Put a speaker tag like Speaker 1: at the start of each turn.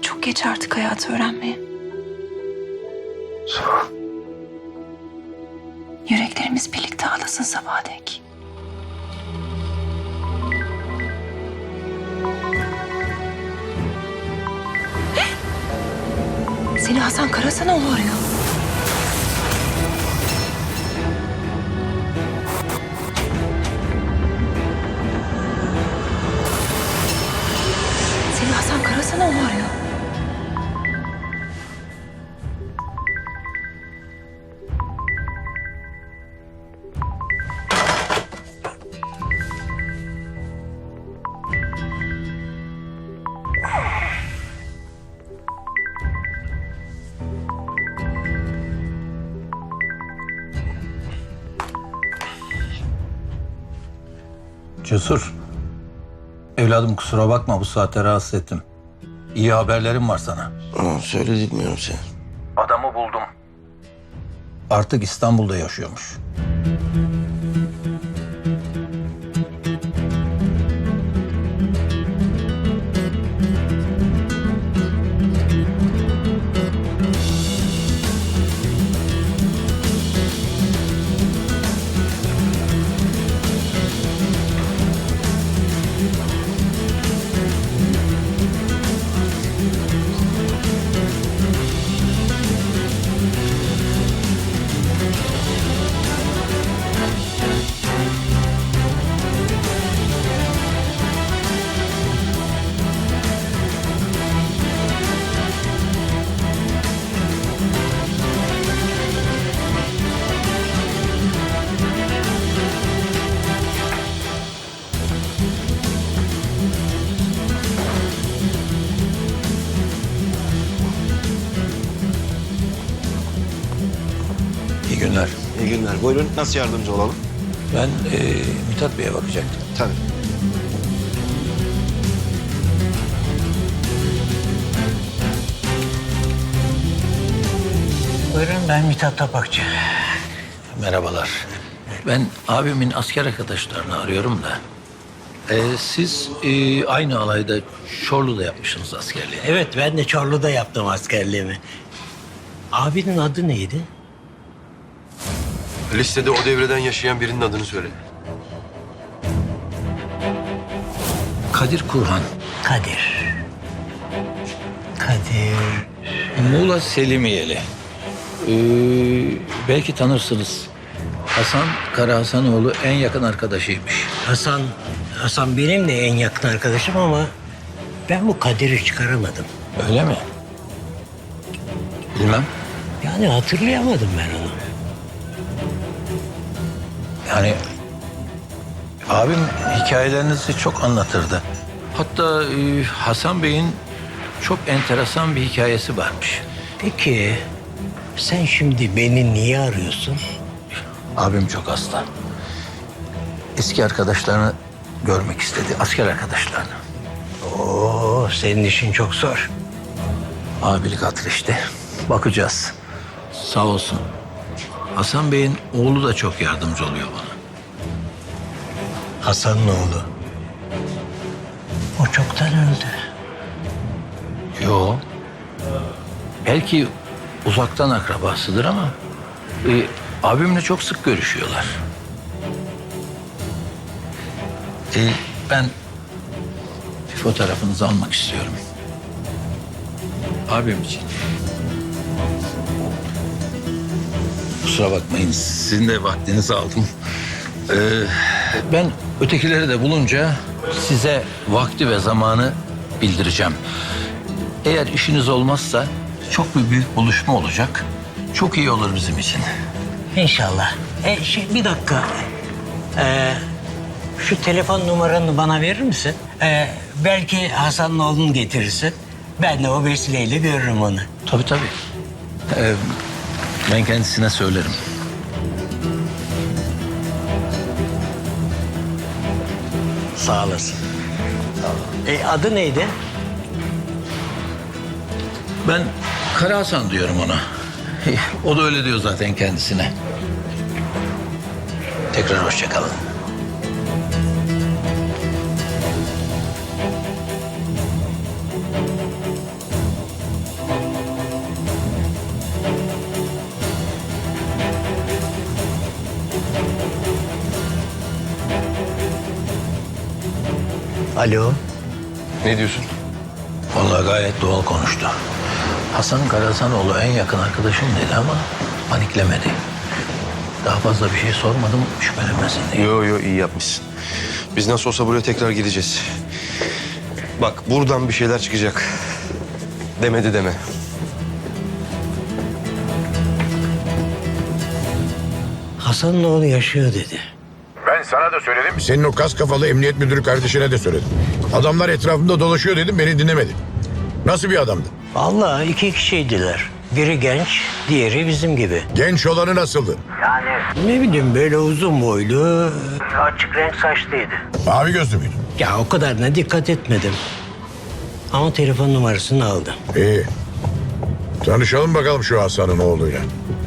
Speaker 1: Çok geç artık hayatı öğrenmeye.
Speaker 2: Sağ ol.
Speaker 1: Yüreklerimiz birlikte ağlasın sabaha dek. Seni Hasan Karasanoğlu arıyor. Seni Hasan Karasanoğlu arıyor.
Speaker 3: Cesur. Evladım kusura bakma bu saatte rahatsız ettim. İyi haberlerim var sana.
Speaker 2: Söyle dinliyorum seni.
Speaker 3: Adamı buldum. Artık İstanbul'da yaşıyormuş. İyi günler.
Speaker 2: İyi günler. Buyurun. Nasıl yardımcı olalım?
Speaker 3: Ben Mithat Bey'e bakacaktım.
Speaker 2: Tabii.
Speaker 4: Buyurun, ben Mithat Tapakçı.
Speaker 3: Merhabalar. Ben abimin asker arkadaşlarını arıyorum da. Siz aynı alayda Çorlu'da yapmışsınız askerliği.
Speaker 4: Evet, ben de Çorlu'da yaptım askerliğimi. Abinin adı neydi?
Speaker 5: Listede o devreden yaşayan birinin adını söyle.
Speaker 3: Kadir Kurhan.
Speaker 4: Kadir. Kadir.
Speaker 3: Muğla Selimiyeli. Belki tanırsınız. Hasan Karahasanoğlu en yakın arkadaşıymış.
Speaker 4: Hasan benim de en yakın arkadaşım ama ben bu Kadir'i çıkaramadım.
Speaker 3: Öyle mi? Bilmem.
Speaker 4: Yani hatırlayamadım ben onu.
Speaker 3: Yani abim hikayelerinizi çok anlatırdı. Hatta Hasan Bey'in çok enteresan bir hikayesi varmış.
Speaker 4: Peki sen şimdi beni niye arıyorsun?
Speaker 3: Abim çok hasta. Eski arkadaşlarını görmek istedi. Asker arkadaşlarını.
Speaker 4: Oo, senin işin çok zor.
Speaker 3: Abilik hatır işte. Bakacağız. Sağ olsun. Hasan Bey'in oğlu da çok yardımcı oluyor bana.
Speaker 4: Hasan'ın oğlu. O çoktan öldü.
Speaker 3: Yo. Belki uzaktan akrabasıdır ama abimle çok sık görüşüyorlar. Ben bir fotoğrafınızı almak istiyorum. Abim için. Kusura bakmayın, sizin de vaktinizi aldım. Ben ötekileri de bulunca size vakti ve zamanı bildireceğim. Eğer işiniz olmazsa çok bir büyük buluşma olacak. Çok iyi olur bizim için.
Speaker 4: İnşallah. Bir dakika. Şu telefon numaranı bana verir misin? Belki Hasan'ın oğlunu getirirsin. Ben de o vesileyle görürüm onu.
Speaker 3: Tabii tabii. Ben kendisine söylerim.
Speaker 4: Sağ olasın. Adı neydi?
Speaker 3: Ben Kara Hasan diyorum ona. O da öyle diyor zaten kendisine. Tekrar hoşça kalın.
Speaker 4: Alo.
Speaker 5: Ne diyorsun?
Speaker 3: Vallahi gayet doğal konuştu. Hasan Karahasanoğlu en yakın arkadaşım dedi ama paniklemedi. Daha fazla bir şey sormadım şüphelenmesin diye.
Speaker 5: Yo iyi yapmışsın. Biz nasıl olsa buraya tekrar gideceğiz. Bak buradan bir şeyler çıkacak. Demedi deme.
Speaker 4: Hasan'ın oğlu yaşıyor dedi.
Speaker 6: Ben sana da söyledim. Senin o kas kafalı emniyet müdürü kardeşine de söyledim. Adamlar etrafımda dolaşıyor dedim, beni dinlemedi. Nasıl bir adamdı?
Speaker 4: Vallahi iki kişiydiler. Biri genç, diğeri bizim gibi.
Speaker 6: Genç olanı nasıldı?
Speaker 4: Ne bileyim böyle uzun boylu, açık renk saçlıydı.
Speaker 6: Mavi gözlü müydü?
Speaker 4: Ya o kadarına dikkat etmedim. Ama telefon numarasını aldım.
Speaker 6: İyi. Tanışalım bakalım şu Hasan'ın oğluyla.